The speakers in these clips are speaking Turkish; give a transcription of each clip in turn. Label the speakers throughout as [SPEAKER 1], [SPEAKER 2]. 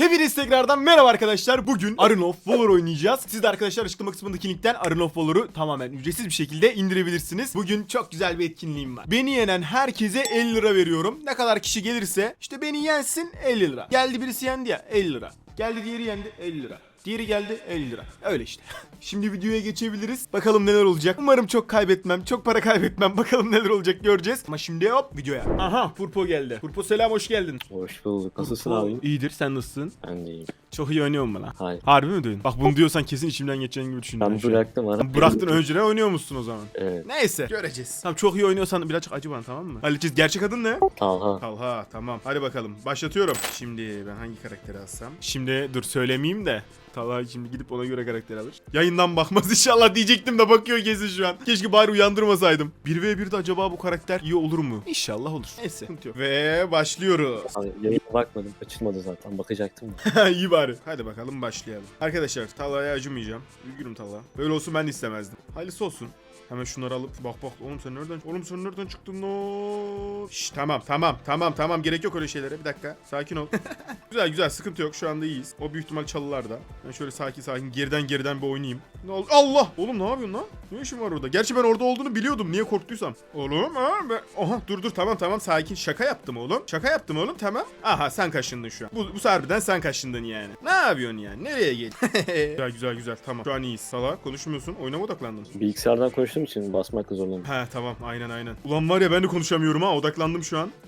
[SPEAKER 1] Hepiniz tekrardan merhaba arkadaşlar. Bugün Arena of Valor oynayacağız. Siz de arkadaşlar açıklama kısmındaki linkten Arena of Valor'u tamamen ücretsiz bir şekilde indirebilirsiniz. Bugün çok güzel bir etkinliğim var. Beni yenen herkese 50 lira veriyorum. Ne kadar kişi gelirse işte beni yensin 50 lira. Geldi birisi yendi ya 50 lira. Geldi diğeri yendi 50 lira. Diğeri geldi 50 lira. Öyle işte. Şimdi videoya geçebiliriz. Bakalım neler olacak. Umarım çok kaybetmem. Çok para kaybetmem. Bakalım neler olacak göreceğiz. Ama şimdi hop videoya. Aha Purpo geldi. Purpo selam hoş geldin.
[SPEAKER 2] Hoş bulduk. Nasılsın
[SPEAKER 1] Purpo,
[SPEAKER 2] abi?
[SPEAKER 1] İyidir sen nasılsın?
[SPEAKER 2] Ben de iyiyim.
[SPEAKER 1] Çok iyi oynuyor mu lan?
[SPEAKER 2] Hayır.
[SPEAKER 1] Harbi mi diyorsun? Bak bunu diyorsan kesin içimden geçeceğin gibi düşündüm.
[SPEAKER 2] Ben bıraktım ara.
[SPEAKER 1] Bıraktın önceden oynuyor musun o zaman?
[SPEAKER 2] Evet.
[SPEAKER 1] Neyse göreceğiz. Tamam çok iyi oynuyorsan birazcık acı bana tamam mı? Halledeceğiz. Gerçek adın ne?
[SPEAKER 2] Talha.
[SPEAKER 1] Talha tamam. Hadi bakalım başlatıyorum. Şimdi ben hangi karakteri alsam? Şimdi dur söylemeyeyim de. Talha şimdi gidip ona göre karakter alır. Yayından bakmaz inşallah diyecektim de bakıyor kesin şu an. Keşke bari uyandırmasaydım. 1v1'de acaba bu karakter iyi olur mu? İnşallah olur. Neyse. Sıkıntı yok. Ve başlıyoruz.
[SPEAKER 2] Abi yayına bakmadım. Açılmadı zaten. Bakacaktım da.
[SPEAKER 1] İyi bari. Hadi bakalım başlayalım. Arkadaşlar Talha'ya acımayacağım. Üzgünüm Talha. Böyle olsun ben de istemezdim. Hayırlısı olsun. Hemen şunları alıp bak oğlum sen nereden çıktın lan? Şşş tamam gerek yok öyle şeylere bir dakika sakin ol. güzel sıkıntı yok şu anda iyiyiz. O büyük ihtimal çalılarda. Ben şöyle sakin geriden bir oynayayım. Ne oldu? Allah! Oğlum ne yapıyorsun lan? Ne işin var orada? Gerçi ben orada olduğunu biliyordum niye korktuysam. Oğlum ha ben... Oha dur tamam sakin şaka yaptım oğlum. Tamam. Aha sen kaşındın şu an. Bu harbiden sen kaşındın yani. Ne yapıyorsun yani? Nereye geldin? güzel tamam. Şu an iyiyiz. Salak konuşmuyorsun. Oyuna mı odaklandın?
[SPEAKER 2] Bilgisayardan konuştuğum için basmakla zorlandım.
[SPEAKER 1] He tamam aynen. Ulan var ya ben de konuşamıyorum ha odaklandım şu an.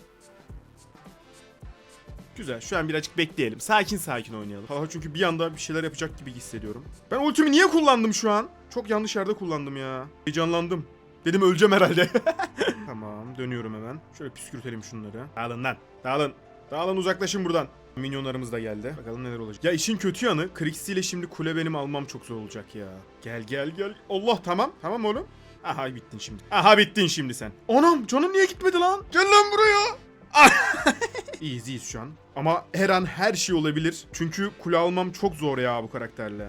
[SPEAKER 1] Güzel şu an birazcık bekleyelim. Sakin oynayalım. Çünkü bir anda bir şeyler yapacak gibi hissediyorum. Ben ultimi niye kullandım şu an? Çok yanlış yerde kullandım ya. Heyecanlandım. Dedim öleceğim herhalde. Tamam dönüyorum hemen. Şöyle püskürtelim şunları. Dağılın uzaklaşın buradan. Minyonlarımız da geldi. Bakalım neler olacak. Ya işin kötü yanı Krixi ile şimdi kule benim almam çok zor olacak ya. Gel. Allah tamam. Tamam oğlum. Aha bittin şimdi sen. Anam canın niye gitmedi lan? Gel lan buraya. İyiyiz şu an. Ama her an her şey olabilir. Çünkü kule almam çok zor ya bu karakterle.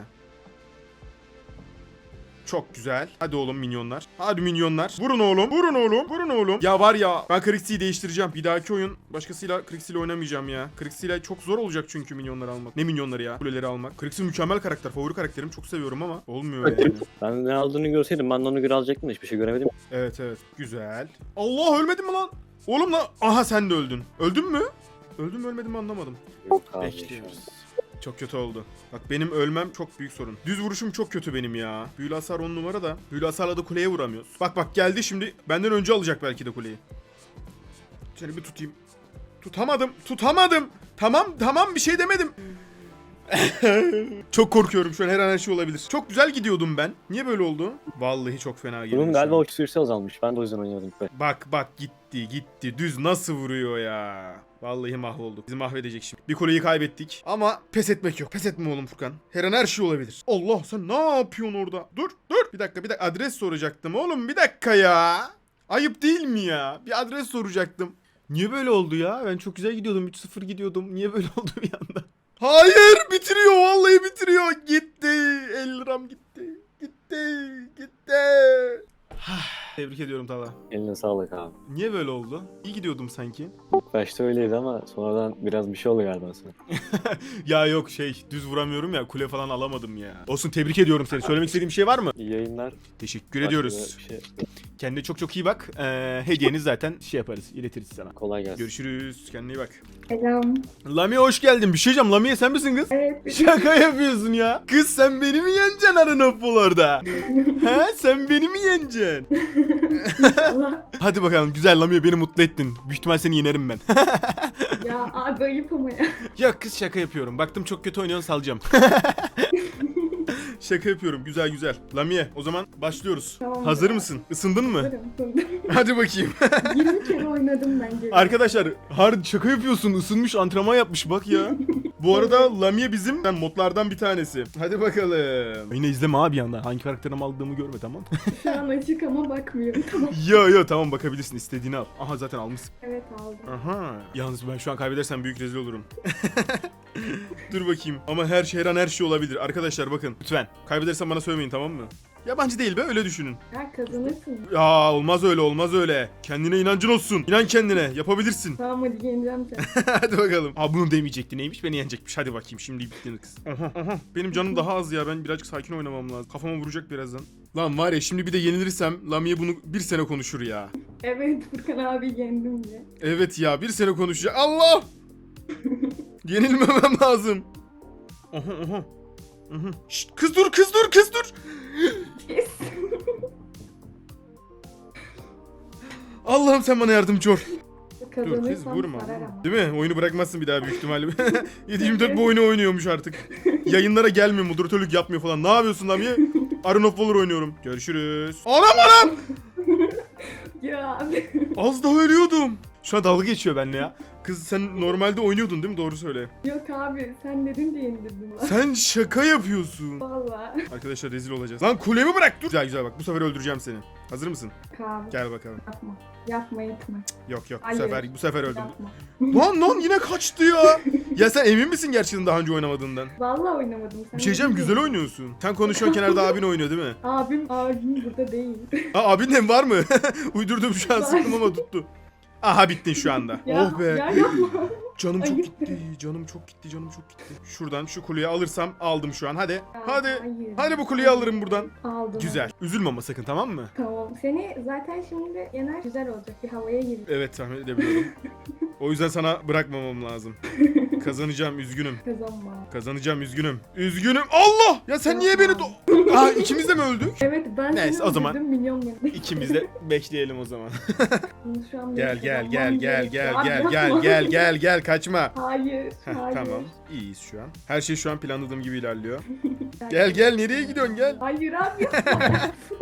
[SPEAKER 1] Çok güzel. Hadi oğlum minyonlar. Hadi minyonlar. Vurun oğlum. Ya var ya ben Krixi'yi değiştireceğim. Bir dahaki oyun başkasıyla Krixi'yle oynamayacağım ya. Krixi'yle çok zor olacak çünkü minyonları almak. Ne minyonları ya? Kuleleri almak. Krixi mükemmel karakter. Favori karakterim. Çok seviyorum ama olmuyor yani.
[SPEAKER 2] Ben ne aldığını görseydim ben de onu göre alacaktım da hiçbir şey göremedim.
[SPEAKER 1] Evet. Güzel. Allah ölmedin mi lan? Oğlum lan. Aha sen de öldün. Öldün mü? Öldüm mü ölmedim mi anlamadım.
[SPEAKER 2] Yok abi.
[SPEAKER 1] Bekliyoruz. Çok kötü oldu. Bak benim ölmem çok büyük sorun. Düz vuruşum çok kötü benim ya. Büyülü hasar 10 numara da. Büyülü hasarla da kuleye vuramıyoruz. Bak geldi şimdi. Benden önce alacak belki de kuleyi. Seni bir tutayım. Tutamadım. Tamam bir şey demedim. Çok korkuyorum şu an her an her şey olabilir. Çok güzel gidiyordum ben. Niye böyle oldu? Vallahi çok fena geliyor.
[SPEAKER 2] Bunun galiba o süresi azalmış. Ben de o yüzden oynamadım.
[SPEAKER 1] Bak gitti. Düz nasıl vuruyor ya. Vallahi mahvolduk. Bizi mahvedecek şimdi. Bir kuleyi kaybettik. Ama pes etmek yok. Pes etme oğlum Furkan. Her an her şey olabilir. Allah sen ne yapıyorsun orada? Dur. Bir dakika. Adres soracaktım oğlum. Bir dakika ya. Ayıp değil mi ya? Bir adres soracaktım. Niye böyle oldu ya? Ben çok güzel gidiyordum. 3-0 gidiyordum. Niye böyle oldu bir anda? Hayır bitiriyor. Vallahi bitiriyor. Gitti. 50 liram gitti. Tebrik ediyorum Talha.
[SPEAKER 2] Eline sağlık abi.
[SPEAKER 1] Niye böyle oldu? İyi gidiyordum sanki.
[SPEAKER 2] İlk başta öyleydi ama sonradan biraz bir şey oldu galiba sana.
[SPEAKER 1] Ya yok düz vuramıyorum ya kule falan alamadım ya. Olsun tebrik ediyorum seni. Söylemek istediğim bir şey var mı?
[SPEAKER 2] İyi yayınlar.
[SPEAKER 1] Teşekkür ediyoruz.
[SPEAKER 2] Bir şey.
[SPEAKER 1] Kendine çok iyi bak. Hediyeniz zaten yaparız iletiriz sana.
[SPEAKER 2] Kolay gelsin.
[SPEAKER 1] Görüşürüz. Kendine iyi bak.
[SPEAKER 3] Selam.
[SPEAKER 1] Lamiye hoş geldin. Bir şey diyeceğim. Lamiye sen misin kız?
[SPEAKER 3] Evet.
[SPEAKER 1] Şaka yapıyorsun ya. Kız sen beni mi yeneceksin Arena orada? He sen beni mi yeneceksin?
[SPEAKER 3] Allah.
[SPEAKER 1] Hadi bakalım güzel Lamiye beni mutlu ettin. Büyük ihtimal seni yenerim ben.
[SPEAKER 3] Ya abi ayıp ama ya.
[SPEAKER 1] Ya kız şaka yapıyorum. Baktım çok kötü oynuyorsun salacağım. Şaka yapıyorum. Güzel. Lamiye o zaman başlıyoruz.
[SPEAKER 3] Tamam.
[SPEAKER 1] Hazır mısın? Isındın mı?
[SPEAKER 3] Varım.
[SPEAKER 1] Hadi bakayım.
[SPEAKER 3] 20 kere oynadım bence.
[SPEAKER 1] Arkadaşlar hard şaka yapıyorsun. Isınmış antrenman yapmış bak ya. Bu arada Lamiye bizim modlardan bir tanesi. Hadi bakalım. Yine izleme abi yandan. Hangi karakterimi aldığımı görme tamam.
[SPEAKER 3] Şu an açık ama bakmıyorum. Tamam.
[SPEAKER 1] Yo tamam bakabilirsin istediğini al. Aha zaten almışsın.
[SPEAKER 3] Evet aldım.
[SPEAKER 1] Aha. Yalnız ben şu an kaybedersem büyük rezil olurum. Dur bakayım. Ama her an her şey olabilir. Arkadaşlar bakın lütfen. Kaybedersem bana söylemeyin tamam mı? Yabancı değil be, öyle düşünün.
[SPEAKER 3] Ya kazanırsın.
[SPEAKER 1] Ya olmaz öyle, olmaz öyle. Kendine inancın olsun. İnan kendine, yapabilirsin.
[SPEAKER 3] Tamam hadi yeneceğim seni.
[SPEAKER 1] Hadi bakalım. Aa, bunu demeyecekti, neymiş, beni yenecekmiş. Hadi bakayım, şimdi bitti kız. Aha. Benim canım daha az ya, ben birazcık sakin oynamam lazım. Kafama vuracak birazdan. Lan var ya, şimdi bir de yenilirsem Lamia bunu bir sene konuşur ya.
[SPEAKER 3] Evet Furkan abi yendim diye.
[SPEAKER 1] Evet ya, bir sene konuşacak. Allah! Yenilmemem lazım. Aha. Şşt, kız dur.
[SPEAKER 3] Yes.
[SPEAKER 1] Allah'ım sen bana yardımcı ol. Dur kız,
[SPEAKER 3] Kazanırsam
[SPEAKER 1] vurma.
[SPEAKER 3] sarar ama.
[SPEAKER 1] Değil mi? Oyunu bırakmazsın bir daha büyük ihtimalle. 7/24 bu oyunu oynuyormuş artık. Yayınlara gelmiyor, moderatörlük yapmıyor falan. Ne yapıyorsun lan ya? Iron of Valor oynuyorum. Görüşürüz. Anam!
[SPEAKER 3] Ya abi.
[SPEAKER 1] Az daha ölüyordum. Şu an dalga geçiyor benimle ya. Kız sen normalde oynuyordun değil mi? Doğru söyle.
[SPEAKER 3] Yok abi sen dedin diye indirdim lan.
[SPEAKER 1] Sen şaka yapıyorsun.
[SPEAKER 3] Valla.
[SPEAKER 1] Arkadaşlar rezil olacağız. Lan kulemi bırak dur. Güzel bak, bu sefer öldüreceğim seni. Hazır mısın?
[SPEAKER 3] Abi
[SPEAKER 1] Gel bakalım.
[SPEAKER 3] yapma. Yapma etme.
[SPEAKER 1] Yok bu
[SPEAKER 3] Hayır.
[SPEAKER 1] sefer öldüm.
[SPEAKER 3] Yapma.
[SPEAKER 1] Lan yine kaçtı ya. Ya sen emin misin gerçekten daha önce oynamadığından?
[SPEAKER 3] Valla oynamadım. Sen
[SPEAKER 1] Bir şey diyeceğim, güzel oynuyorsun. Sen konuşuyorsun, kenarda abin oynuyor değil mi?
[SPEAKER 3] Abim burada değil.
[SPEAKER 1] Aa, abin de mi var mı? Uydurdum şu an, sıktım ama tuttu. Aha, bittin şu anda.
[SPEAKER 3] Ya,
[SPEAKER 1] Oh be.
[SPEAKER 3] Ya yapma.
[SPEAKER 1] Canım çok
[SPEAKER 3] Ayıp.
[SPEAKER 1] gitti. Canım çok gitti. Şuradan şu kuleyi alırsam aldım şu an. Hadi.
[SPEAKER 3] Ya,
[SPEAKER 1] Hadi.
[SPEAKER 3] hayır.
[SPEAKER 1] Hadi bu kuleyi alırım buradan.
[SPEAKER 3] Aldım.
[SPEAKER 1] Güzel. Üzülme ama sakın, tamam mı?
[SPEAKER 3] Tamam. Seni zaten şimdi yener güzel olacak. Bir havaya gir.
[SPEAKER 1] Evet, tahmin edebiliyorum. O yüzden sana bırakmamam lazım. Kazanacağım, üzgünüm.
[SPEAKER 3] Kazanma.
[SPEAKER 1] Üzgünüm. Allah! Ya sen niye beni Aa, ikimiz de mi öldük?
[SPEAKER 3] Evet ben
[SPEAKER 1] Neyse,
[SPEAKER 3] seni
[SPEAKER 1] o zaman
[SPEAKER 3] öldürdüm, milyon beni.
[SPEAKER 1] İkimiz de bekleyelim o zaman.
[SPEAKER 3] Bunu şu an
[SPEAKER 1] Gel
[SPEAKER 3] benim kazanmam gerekiyor. Abi yapma.
[SPEAKER 1] Kaçma.
[SPEAKER 3] Hayır.
[SPEAKER 1] Heh,
[SPEAKER 3] Hayır.
[SPEAKER 1] tamam. İyiyiz şu an. Her şey şu an planladığım gibi ilerliyor. Gel nereye gidiyorsun, gel.
[SPEAKER 3] Hayır abi yapma.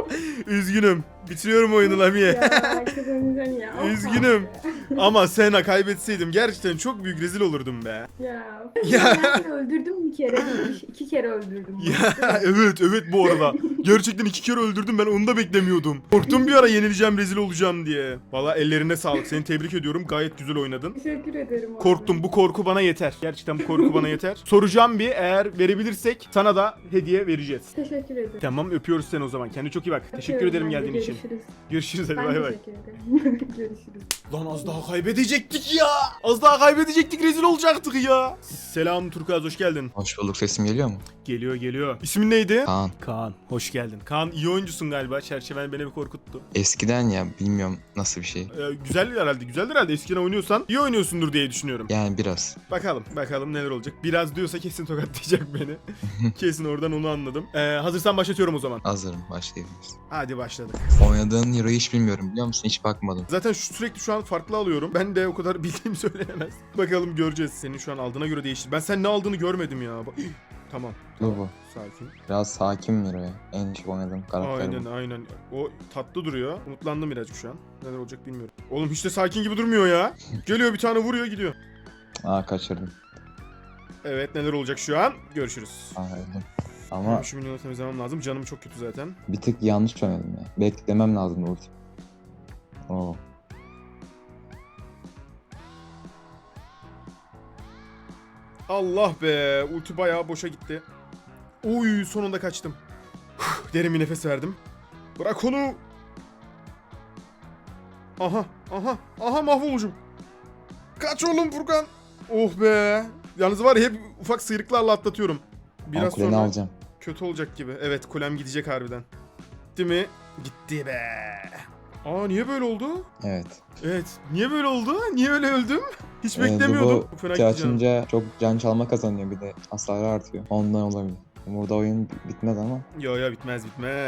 [SPEAKER 1] Üzgünüm. Bitiriyorum oyunu Lamie.
[SPEAKER 3] Ya kazanacaksın ya.
[SPEAKER 1] Üzgünüm. Ama Sena kaybetseydim gerçekten çok büyük rezil olurdum be.
[SPEAKER 3] Ya.
[SPEAKER 1] Ya.
[SPEAKER 3] Ben seni öldürdüm bir kere. 2 kere öldürdüm.
[SPEAKER 1] Ya evet bu arada. Gerçekten 2 kere öldürdüm, ben onu da beklemiyordum. Korktum bir ara yenileceğim, rezil olacağım diye. Valla ellerine sağlık, seni tebrik ediyorum, gayet güzel oynadın.
[SPEAKER 3] Teşekkür ederim abi.
[SPEAKER 1] Korktum, bu korku bana yeter. Gerçekten bu korku bana yeter. Soracağım bir, eğer verebilirsek sana da hediye vereceğiz.
[SPEAKER 3] Teşekkür ederim.
[SPEAKER 1] Tamam, öpüyoruz seni o zaman. Kendine çok iyi bak. Teşekkür
[SPEAKER 3] Öpüyorum
[SPEAKER 1] ederim
[SPEAKER 3] ben de.
[SPEAKER 1] geldiğin için.
[SPEAKER 3] Görüşürüz.
[SPEAKER 1] Görüşürüz, hadi
[SPEAKER 3] Ben
[SPEAKER 1] bay bay.
[SPEAKER 3] teşekkür ederim. Görüşürüz.
[SPEAKER 1] Lan az daha kaybedecektik ya. Az daha kaybedecektik, rezil olacaktık ya. Selam Turkuaz, hoş geldin.
[SPEAKER 4] Hoş bulduk, sesim geliyor mu?
[SPEAKER 1] Geliyor. İsmin neydi?
[SPEAKER 4] Kaan.
[SPEAKER 1] Kaan, hoş geldin. Kaan, iyi oyuncusun galiba. Çerçeven beni bir korkuttu.
[SPEAKER 4] Eskiden ya, bilmiyorum nasıl bir şey.
[SPEAKER 1] Güzeldir herhalde. Eskiden oynuyorsan iyi oynuyorsundur diye düşünüyorum.
[SPEAKER 4] Yani biraz.
[SPEAKER 1] Bakalım neler olacak. Biraz diyorsa kesin tokatlayacak beni. Kesin, oradan onu anladım. Hazırsan başlatıyorum o zaman.
[SPEAKER 4] Hazırım, başlayabiliriz.
[SPEAKER 1] Hadi başladık.
[SPEAKER 4] Oynadığın hero'yu hiç bilmiyorum, biliyor musun? Hiç bakmadım.
[SPEAKER 1] Zaten sürekli şu an farklı alıyorum. Ben de o kadar bildiğim söylenemez. Bakalım, göreceğiz. Senin şu an aldığına göre değiştir. Ben sen ne aldığını görmedim ya. Tamam.
[SPEAKER 4] Bu.
[SPEAKER 1] Sakin.
[SPEAKER 4] Biraz sakin bir hero ya. En çok oynadığım karakter bu.
[SPEAKER 1] Aynen. O tatlı duruyor. Umutlandım birazcık şu an. Neler olacak bilmiyorum. Oğlum hiç de sakin gibi durmuyor ya. Geliyor bir tane, vuruyor gidiyor.
[SPEAKER 4] Aa, kaçırdım.
[SPEAKER 1] Evet, neler olacak şu an? Görüşürüz.
[SPEAKER 4] Aa, öldüm. Ama
[SPEAKER 1] Şu milyonu temizlemem lazım. Canım çok kötü zaten.
[SPEAKER 4] bir tık yanlış oynadım ya. Beklemem lazım ulti. Oo.
[SPEAKER 1] Allah be. Ulti bayağı boşa gitti. Uy, sonunda kaçtım. Derin bir nefes verdim. Bırak onu. Aha mahvolucum. Kaç oğlum Furkan. Oh be. Yalnız var ya, hep ufak sıyrıklarla atlatıyorum.
[SPEAKER 4] Ben
[SPEAKER 1] Biraz
[SPEAKER 4] kuleni
[SPEAKER 1] sonra
[SPEAKER 4] alacağım.
[SPEAKER 1] kötü olacak gibi. Evet, kulem gidecek harbiden. Gitti mi? Gitti be. Aa, niye böyle oldu?
[SPEAKER 4] Evet.
[SPEAKER 1] Evet. Niye böyle oldu? Niye öyle öldüm? Hiç
[SPEAKER 4] Evet,
[SPEAKER 1] beklemiyordum.
[SPEAKER 4] bu
[SPEAKER 1] Fena
[SPEAKER 4] ulti
[SPEAKER 1] gitti canım.
[SPEAKER 4] açınca çok can çalma kazanıyor, bir de hasarı artıyor. Ondan olabilir. Burada oyun bitmez ama.
[SPEAKER 1] Yo bitmez.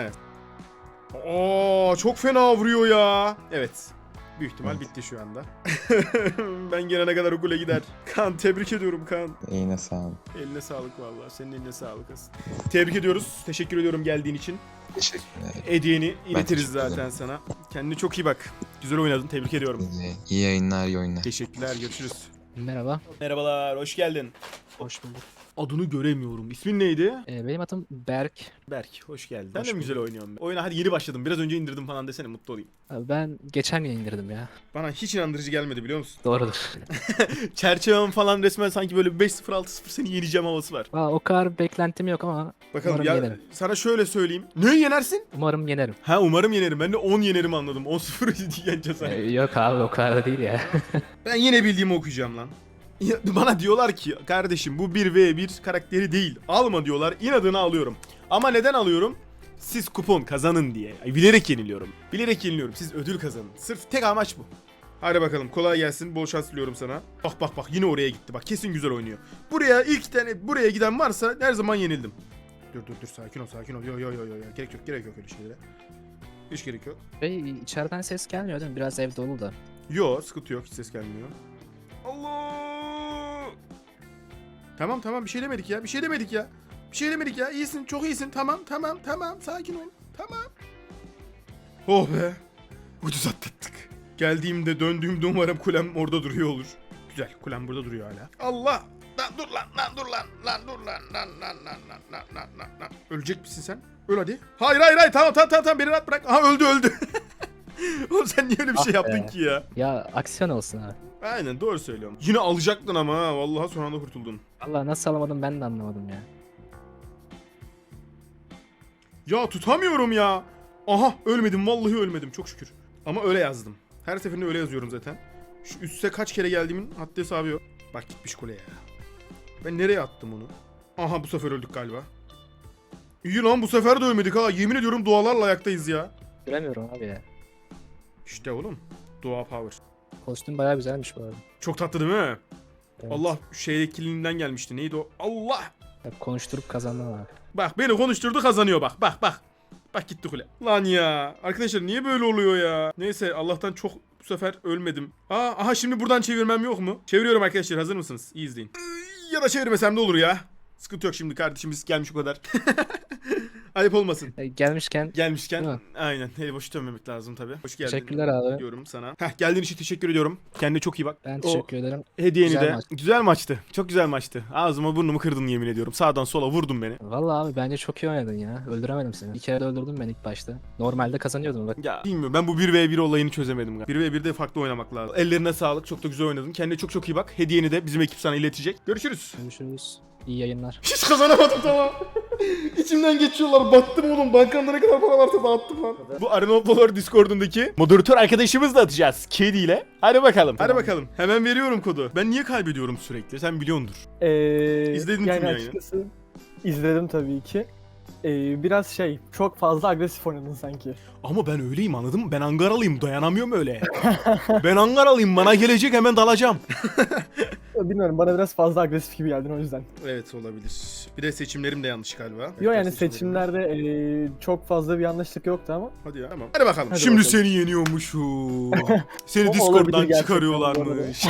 [SPEAKER 1] Aa, çok fena vuruyor ya. Evet. Büyük ihtimal
[SPEAKER 4] Evet.
[SPEAKER 1] bitti şu anda. Ben gelene kadar okula gider. Kaan, tebrik ediyorum Kaan.
[SPEAKER 4] Eline sağlık.
[SPEAKER 1] Eline sağlık vallahi. Senin eline sağlık asıl. Tebrik ediyoruz. Teşekkür ediyorum geldiğin için.
[SPEAKER 4] Teşekkürler.
[SPEAKER 1] Hediyeni iletiriz
[SPEAKER 4] teşekkür ederim.
[SPEAKER 1] zaten sana. Kendine çok iyi bak. Güzel oynadın. Tebrik ediyorum.
[SPEAKER 4] İyi yayınlar, iyi oyunlar.
[SPEAKER 1] Teşekkürler. Görüşürüz.
[SPEAKER 5] Merhaba.
[SPEAKER 1] Merhabalar. Hoş geldin.
[SPEAKER 5] Hoş bulduk.
[SPEAKER 1] adını göremiyorum. İsmin neydi?
[SPEAKER 5] Benim adım Berk.
[SPEAKER 1] Berk. Hoş geldin. Ben
[SPEAKER 5] Hoş
[SPEAKER 1] de mi güzel
[SPEAKER 5] bulduk.
[SPEAKER 1] oynuyorum? Oyuna hadi yeni başladım. Biraz önce indirdim falan desene mutlu olayım.
[SPEAKER 5] Abi ben geçen gün indirdim ya.
[SPEAKER 1] Bana hiç inandırıcı gelmedi biliyor musun?
[SPEAKER 5] Doğrudur.
[SPEAKER 1] Çerçevem falan resmen sanki böyle 5-0 6-0 seni yeneceğim havası var.
[SPEAKER 5] Valla o kadar beklentim yok ama
[SPEAKER 1] Bakalım
[SPEAKER 5] umarım
[SPEAKER 1] ya
[SPEAKER 5] yenerim.
[SPEAKER 1] sana şöyle söyleyeyim. Ne yenersin?
[SPEAKER 5] Umarım yenerim.
[SPEAKER 1] Ha umarım yenerim. Ben de 10 yenerim anladım. 10-0 yeneceğiz hani.
[SPEAKER 5] Yok abi o kadar da değil ya.
[SPEAKER 1] Ben yine bildiğimi okuyacağım lan. Ya, bana diyorlar ki kardeşim bu 1v1 karakteri değil. Alma diyorlar. İnadına alıyorum. Ama neden alıyorum? Siz kupon kazanın diye. Ay, bilerek yeniliyorum. Bilerek yeniliyorum. Siz ödül kazanın. Sırf tek amaç bu. Hadi bakalım kolay gelsin. Bol şans diliyorum sana. Bak bak bak yine oraya gitti. Bak kesin güzel oynuyor. Buraya ilk tane buraya giden varsa her zaman yenildim. Dur sakin ol sakin ol. Yo. Gerek yok öyle şeylere. Hiç gerek yok.
[SPEAKER 5] Ve içeriden ses gelmiyor değil mi? Biraz ev dolu da.
[SPEAKER 1] Yo sıkıntı yok hiç ses gelmiyor. Allah! Tamam bir şey demedik ya. Bir şey demedik ya. İyisin çok iyisin. Tamam sakin ol. Tamam. Oh be. Ucuz atlattık. Geldiğimde döndüğümde umarım kulem orada duruyor olur. Güzel kulem burada duruyor hala. Allah! Lan dur lan. Ölecek misin sen? Öl hadi. Hayır tamam beni rahat bırak. Aha öldü. Oğlum sen niye öyle bir şey
[SPEAKER 5] Ah be.
[SPEAKER 1] yaptın ki ya?
[SPEAKER 5] Ya aksiyon olsun abi.
[SPEAKER 1] Aynen doğru söylüyorum. Yine alacaktın ama ha. Vallahi son anda kurtuldun.
[SPEAKER 5] Valla nasıl alamadım ben de anlamadım ya.
[SPEAKER 1] Ya tutamıyorum ya. Aha ölmedim vallahi ölmedim çok şükür. Ama öyle yazdım. Her seferinde öyle yazıyorum zaten. Şu üste kaç kere geldiğimin haddi hesabı yok. Bak gitmiş kuleye ya. Ben nereye attım onu? Aha bu sefer öldük galiba. İyi lan bu sefer de ölmedik ha. Yemin ediyorum dualarla ayaktayız ya.
[SPEAKER 5] Göremiyorum abi ya.
[SPEAKER 1] İşte oğlum. Dua power.
[SPEAKER 5] Kostüm bayağı güzelmiş bu arada.
[SPEAKER 1] Çok tatlı değil mi?
[SPEAKER 5] Evet.
[SPEAKER 1] Allah şeydekiliğinden gelmişti. Neydi o? Allah!
[SPEAKER 5] Ya konuşturup kazandım abi.
[SPEAKER 1] Bak beni konuşturdu kazanıyor bak. Bak. Bak gitti kule. Lan ya. Arkadaşlar niye böyle oluyor ya? Neyse Allah'tan çok bu sefer ölmedim. Aha şimdi buradan çevirmem yok mu? Çeviriyorum arkadaşlar hazır mısınız? İyi izleyin. Ya da çevirmesem de olur ya. Sıkıntı yok şimdi kardeşimiz gelmiş o kadar. Ayıp olmasın.
[SPEAKER 5] Gelmişken
[SPEAKER 1] Gelmişken
[SPEAKER 5] Değil mi?
[SPEAKER 1] aynen eli boş dönmemek lazım tabii. Hoş geldin.
[SPEAKER 5] teşekkürler abi.
[SPEAKER 1] Diyorum sana. Geldiğin için teşekkür ediyorum. Kendine çok iyi bak.
[SPEAKER 5] Ben
[SPEAKER 1] O
[SPEAKER 5] teşekkür ederim.
[SPEAKER 1] hediyeni
[SPEAKER 5] Güzel
[SPEAKER 1] de.
[SPEAKER 5] maç.
[SPEAKER 1] Güzel maçtı. Çok güzel maçtı. Ağzıma burnumu kırdın yemin ediyorum. Sağdan sola vurdun beni.
[SPEAKER 5] Valla abi bence çok iyi oynadın ya. Öldüremedim seni. Bir kere de öldürdüm ben ilk başta. Normalde kazanıyordum bak.
[SPEAKER 1] Ya bilmiyorum ben bu 1v1 olayını çözemedim. 1v1'de farklı oynamak lazım. Ellerine sağlık. Çok da güzel oynadın. Kendine çok iyi bak. Hediyeni de bizim ekip sana iletecek. Görüşürüz.
[SPEAKER 5] Görüşürüz. İyi yayınlar.
[SPEAKER 1] Hiç kazanamadım tamam. İçimden geçiyorlar. Battım oğlum. Bankamda ne kadar para varsa dağıttım lan. Bu Arena Valor Discord'undaki moderatör arkadaşımızla atacağız. Kedi ile. Hadi bakalım. Hadi bakalım. Hemen veriyorum kodu. Ben niye kaybediyorum sürekli? Sen biliyordur. İzledin
[SPEAKER 6] yani
[SPEAKER 1] tüm yayını.
[SPEAKER 6] açıkçası izledim tabii ki. Biraz çok fazla agresif oynadın sanki.
[SPEAKER 1] Ama ben öyleyim anladın mı? Ben Angaralıyım. Dayanamıyorum öyle. Ben Angaralıyım. Bana gelecek hemen dalacağım.
[SPEAKER 6] Bilmiyorum, bana biraz fazla agresif gibi geldin o yüzden.
[SPEAKER 1] Evet olabilir. Bir de seçimlerim de yanlış galiba.
[SPEAKER 6] Yok yani
[SPEAKER 1] Evet,
[SPEAKER 6] seçimlerde çok fazla bir yanlışlık yoktu ama.
[SPEAKER 1] Hadi ya tamam. Hadi bakalım.
[SPEAKER 6] Hadi
[SPEAKER 1] Şimdi
[SPEAKER 6] bakalım.
[SPEAKER 1] seni yeniyormuşum. Seni
[SPEAKER 6] O
[SPEAKER 1] Discord'dan
[SPEAKER 6] olabilir gerçekten
[SPEAKER 1] çıkarıyorlarmış.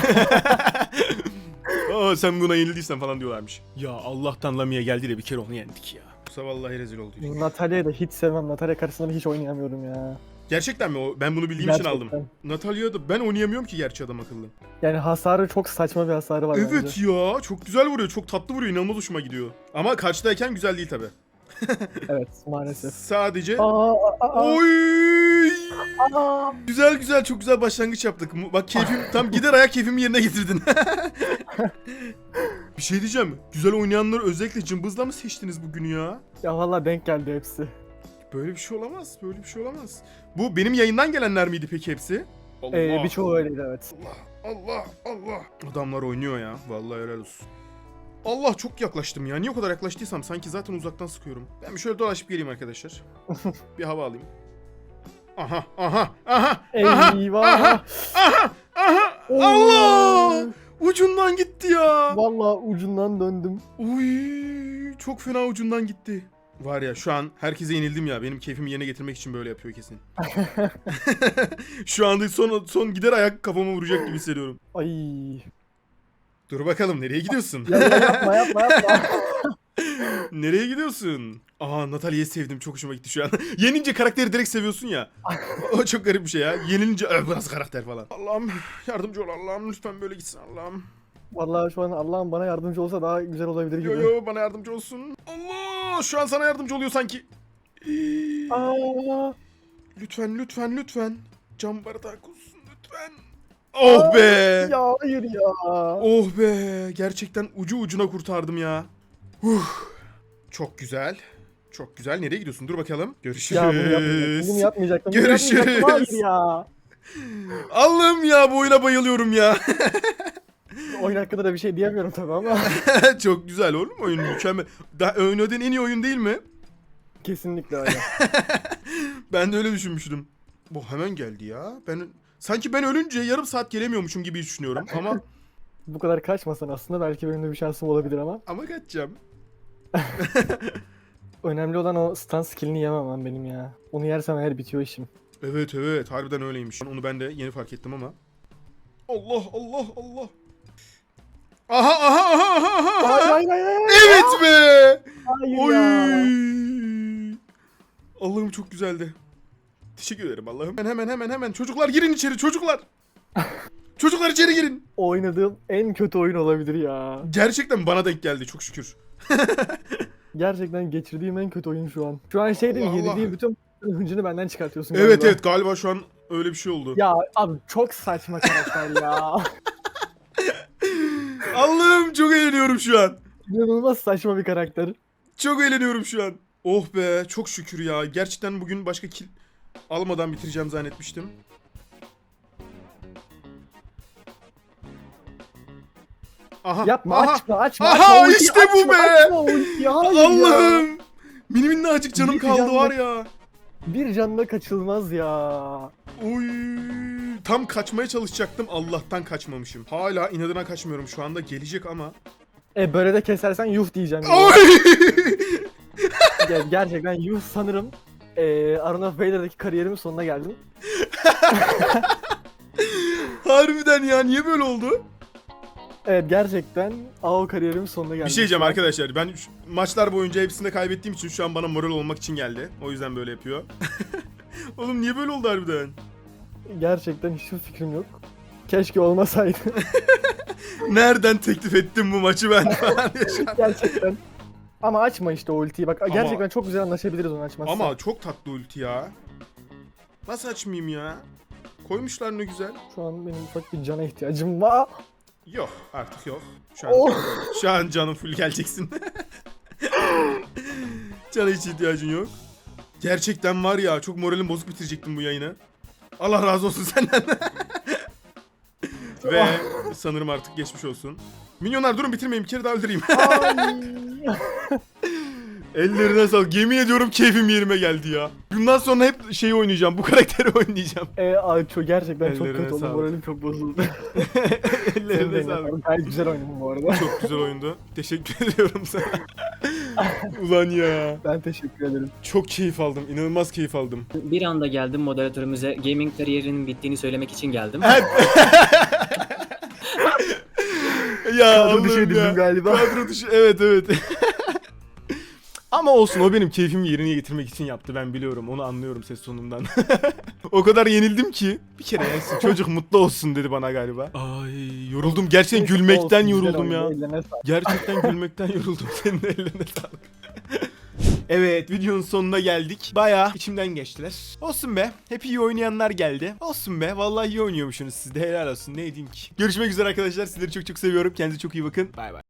[SPEAKER 1] Aa, sen buna yenildiysen falan diyorlarmış. Ya Allah'tan Lamia geldi de bir kere onu yendik ya. Yoksa vallahi rezil olduk.
[SPEAKER 6] Natalia'yı da hiç sevmem. Natalya karşısında da hiç oynayamıyorum ya.
[SPEAKER 1] Gerçekten mi o? Ben bunu bildiğim için aldım.
[SPEAKER 6] Gerçekten.
[SPEAKER 1] Natalya'da ben oynayamıyorum ki gerçi adam akıllı.
[SPEAKER 6] Yani hasarı çok saçma bir hasarı var bence.
[SPEAKER 1] Evet ya çok güzel vuruyor. Çok tatlı vuruyor. İnanılmaz hoşuma gidiyor. Ama karşıdayken güzel değil tabi.
[SPEAKER 6] Evet maalesef.
[SPEAKER 1] Sadece...
[SPEAKER 6] Aa.
[SPEAKER 1] Oy! Güzel çok güzel başlangıç yaptık. Bak keyfim tam gider ayak keyfimi yerine getirdin. Bir şey diyeceğim. Güzel oynayanları özellikle cımbızla mı seçtiniz bugün ya?
[SPEAKER 6] Ya valla denk geldi hepsi.
[SPEAKER 1] Böyle bir şey olamaz. Böyle bir şey olamaz. Bu benim yayından gelenler miydi peki hepsi? Allah.
[SPEAKER 6] Birçoğu öyleydi evet.
[SPEAKER 1] Allah. Adamlar oynuyor ya. Vallahi helal olsun. Allah çok yaklaştım ya. Niye o kadar yaklaştıysam sanki zaten uzaktan sıkıyorum. Ben bir şöyle dolaşıp geleyim arkadaşlar. Bir hava alayım. Aha.
[SPEAKER 6] Eyvah.
[SPEAKER 1] Allah! Ucundan gitti ya.
[SPEAKER 6] Valla ucundan döndüm.
[SPEAKER 1] Uy, çok fena ucundan gitti. Var ya şu an herkese yenildim ya. Benim keyfimi yerine getirmek için böyle yapıyor kesin. Şu anda son gider ayak kafama vuracak gibi hissediyorum.
[SPEAKER 6] Ay.
[SPEAKER 1] Dur bakalım nereye gidiyorsun?
[SPEAKER 6] Yapma.
[SPEAKER 1] Nereye gidiyorsun? Aa Natalya'yı sevdim. Çok hoşuma gitti şu an. Yenince karakteri direkt seviyorsun ya. O çok garip bir şey ya. Yenilince burası karakter falan. Allah'ım yardımcı ol Allah'ım. Lütfen böyle gitsin Allah'ım.
[SPEAKER 6] Vallahi şu an Allah'ım bana yardımcı olsa daha güzel olabilir
[SPEAKER 1] Yo
[SPEAKER 6] gibi.
[SPEAKER 1] yo bana yardımcı olsun. Allah şu an sana yardımcı oluyor sanki.
[SPEAKER 6] Aa,
[SPEAKER 1] Lütfen lütfen lütfen. Cam bardak olsun lütfen. Oh be.
[SPEAKER 6] ya hayır ya.
[SPEAKER 1] Oh be. Gerçekten ucu ucuna kurtardım ya. Çok güzel. Çok güzel. Nereye gidiyorsun? Dur bakalım. Görüşürüz.
[SPEAKER 6] Ya bunu yapmayacaktım. Bunu yapmayacaktım. Bunu
[SPEAKER 1] Görüşürüz.
[SPEAKER 6] yapmayacaktım. Hayır ya.
[SPEAKER 1] Allah'ım ya bu oyuna bayılıyorum ya.
[SPEAKER 6] Oyun hakkında da bir şey diyemiyorum tabii ama.
[SPEAKER 1] Çok güzel oğlum oyun mükemmel. Daha oynadığın en iyi oyun değil mi?
[SPEAKER 6] Kesinlikle öyle.
[SPEAKER 1] Ben de öyle düşünmüştüm. Bu hemen geldi ya. Sanki ben ölünce yarım saat gelemiyormuşum gibi düşünüyorum ama
[SPEAKER 6] Bu kadar kaçmasan aslında belki benim de bir şansım olabilir ama.
[SPEAKER 1] kaçacağım.
[SPEAKER 6] Önemli olan o stun skillini yememem benim ya. Onu yersem eğer bitiyor işim.
[SPEAKER 1] Evet evet harbiden öyleymiş. Onu ben de yeni fark ettim ama. Allah Allah Allah. Aha aha aha aha aha.
[SPEAKER 6] Hayır hayır hayır. Hayır,
[SPEAKER 1] Evet be.
[SPEAKER 6] hayır
[SPEAKER 1] Oy.
[SPEAKER 6] ya.
[SPEAKER 1] Allah'ım çok güzeldi. Teşekkür ederim Allah'ım. Hemen çocuklar girin içeri çocuklar. Çocuklar içeri girin.
[SPEAKER 6] Oynadığım en kötü oyun olabilir ya.
[SPEAKER 1] Gerçekten bana denk geldi çok şükür.
[SPEAKER 6] Gerçekten geçirdiğim en kötü oyun şu an. Şu an şey değil mi?
[SPEAKER 1] Allah Allah.
[SPEAKER 6] Yenildiğim bütün hıncını benden çıkartıyorsun
[SPEAKER 1] Evet
[SPEAKER 6] galiba.
[SPEAKER 1] evet galiba şu an öyle bir şey oldu.
[SPEAKER 6] Ya abi çok saçma karakter ya.
[SPEAKER 1] Allah'ım çok eğleniyorum şu an.
[SPEAKER 6] İnanılmaz saçma bir karakter.
[SPEAKER 1] Çok eğleniyorum şu an. Oh be çok şükür ya. Gerçekten bugün başka kill almadan bitireceğim zannetmiştim. Aha.
[SPEAKER 6] Yapma
[SPEAKER 1] aha.
[SPEAKER 6] açma.
[SPEAKER 1] Aha,
[SPEAKER 6] ultiyi
[SPEAKER 1] işte bu
[SPEAKER 6] açma,
[SPEAKER 1] be.
[SPEAKER 6] açma ultiyi, hayır ya.
[SPEAKER 1] Allah'ım. Minnacık canım
[SPEAKER 6] Bir
[SPEAKER 1] kaldı
[SPEAKER 6] canlı-
[SPEAKER 1] var ya.
[SPEAKER 6] Bir canla kaçılmaz ya.
[SPEAKER 1] Oy. Tam kaçmaya çalışacaktım. Allah'tan kaçmamışım. Hala inadına kaçmıyorum şu anda. Gelecek ama.
[SPEAKER 6] Böyle de kesersen yuh diyeceğim. ya.
[SPEAKER 1] Oy.
[SPEAKER 6] Gerçekten yuh sanırım. Arena of Vader'daki kariyerimin sonuna geldim.
[SPEAKER 1] Harbiden ya niye böyle oldu?
[SPEAKER 6] Evet gerçekten AO kariyerimin sonuna geldim.
[SPEAKER 1] Bir şey diyeceğim arkadaşlar. Ben maçlar boyunca hepsinde kaybettiğim için şu an bana moral olmak için geldi. O yüzden böyle yapıyor. Oğlum niye böyle oldu harbiden?
[SPEAKER 6] Gerçekten hiçbir fikrim yok. Keşke olmasaydı.
[SPEAKER 1] Nereden teklif ettim bu maçı ben falan diye şu an.
[SPEAKER 6] Gerçekten. Ama açma işte o ultiyi bak. Gerçekten çok güzel anlaşabiliriz onu açmazsan.
[SPEAKER 1] Ama çok tatlı ulti ya. Nasıl açmayayım ya? Koymuşlar ne güzel.
[SPEAKER 6] Şu an benim ufak bir cana ihtiyacım var.
[SPEAKER 1] Yok artık yok. Şu an,
[SPEAKER 6] Oh.
[SPEAKER 1] şu an canım full geleceksin. Cana hiç ihtiyacın yok. Gerçekten var ya çok moralim bozuk bitirecektim bu yayını. Allah razı olsun senden. Ve sanırım artık geçmiş olsun. Minyonlar durun bitirmeyin bir kere daha öldüreyim.
[SPEAKER 6] Ay.
[SPEAKER 1] Ellerine sağlık. Yemin ediyorum keyfim yerime geldi ya. Bundan sonra hep şeyi oynayacağım. Bu karakteri oynayacağım.
[SPEAKER 6] Ay, gerçekten çok
[SPEAKER 1] Ellerine
[SPEAKER 6] kötü oldu.
[SPEAKER 1] sağlık.
[SPEAKER 6] Moralim çok bozuldu. Senin de
[SPEAKER 1] Ellerine
[SPEAKER 6] eline
[SPEAKER 1] sağlık.
[SPEAKER 6] sağlık. Gayet güzel oynadın bu arada.
[SPEAKER 1] Çok güzel oyundu. Teşekkür ediyorum sana. Ulan ya.
[SPEAKER 6] Ben teşekkür ederim.
[SPEAKER 1] Çok keyif aldım. İnanılmaz keyif aldım.
[SPEAKER 7] Bir anda geldim moderatörümüze gaming kariyerinin bittiğini söylemek için geldim.
[SPEAKER 1] Ya
[SPEAKER 6] Kadro dışı
[SPEAKER 1] Allah'ım
[SPEAKER 6] edildim
[SPEAKER 1] ya.
[SPEAKER 6] galiba.
[SPEAKER 1] Kadro dışı. Evet evet. Ama olsun o benim keyfimi yerine getirmek için yaptı ben biliyorum onu anlıyorum ses tonundan. O kadar yenildim ki bir kere yensin çocuk mutlu olsun dedi bana galiba. Ay yoruldum gerçekten gülmekten
[SPEAKER 6] Olsun, güzel
[SPEAKER 1] yoruldum ya.
[SPEAKER 6] oynadı, ellerine sağlık.
[SPEAKER 1] Gerçekten gülmekten yoruldum senin ellerine sağlık. Evet videonun sonuna geldik. Bayağı içimden geçtiler. Olsun be. Hep iyi oynayanlar geldi. Olsun be. Vallahi iyi oynuyormuşsunuz siz de helal olsun. Ne diyeyim ki. Görüşmek üzere arkadaşlar. Sizleri çok çok seviyorum. Kendinize çok iyi bakın. Bay bay.